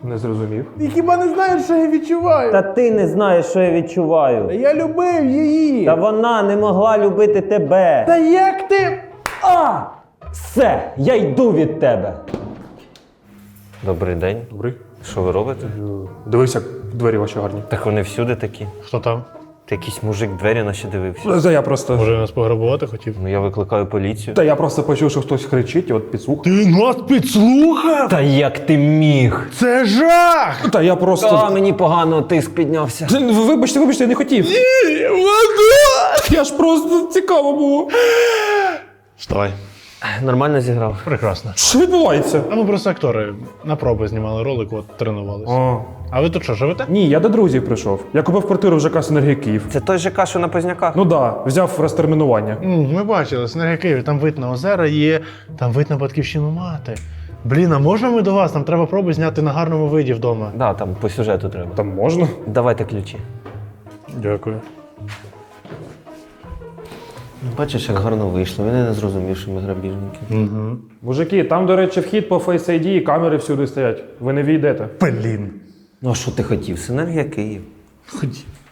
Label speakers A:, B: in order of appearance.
A: Не зрозумів.
B: Ти хіба не знаєш, що я відчуваю?
C: Та ти не знаєш, що я відчуваю.
B: Я любив її.
C: Та вона не могла любити тебе.
B: Та як ти?
C: Все, я йду від тебе. Добрий день.
A: Добрий.
C: Що ви робите?
A: Дивись, як двері ваші гарні.
C: Так вони всюди такі.
D: Хто там?
C: Ти якийсь мужик двері наші дивився.
A: Та я просто...
D: Може нас пограбувати хотів?
C: Ну я викликаю поліцію.
A: Та я просто почув, що хтось кричить, і от підслухав.
D: Ти нас підслухав?
C: Та як ти міг?
D: Це жах!
A: Та я просто...
C: Та мені погано тиск піднявся.
A: Вибачте, я не хотів. Я ж просто цікаво було.
D: Вставай.
C: Нормально зіграв.
D: Прекрасно.
A: Що відбувається?
D: А ми просто актори на проби знімали ролик, от тренувалися. А ви тут що, живете?
A: Ні, я до друзів прийшов. Я купив квартиру в ЖК «Синергія Київ».
C: Це той ЖК, що на Позняках?
A: Ну да, взяв розтермінування.
D: Ми бачили, Синергія Київ, там вид на озера є, там вид на батьківщину мати. Блін, а можна ми до вас? Нам треба проби зняти на гарному виді вдома.
C: Да, там по сюжету треба.
A: Там можна?
C: Давайте ключі.
D: Дякую.
C: Бачиш, як гарно вийшло. Він і не зрозумів, що ми грабіжники.
A: Мужики, там, до речі, вхід по Face ID і камери всюди стоять. Ви не війдете.
D: Блін.
C: Ну а що ти хотів? Синергія Київ.
D: Ходіть.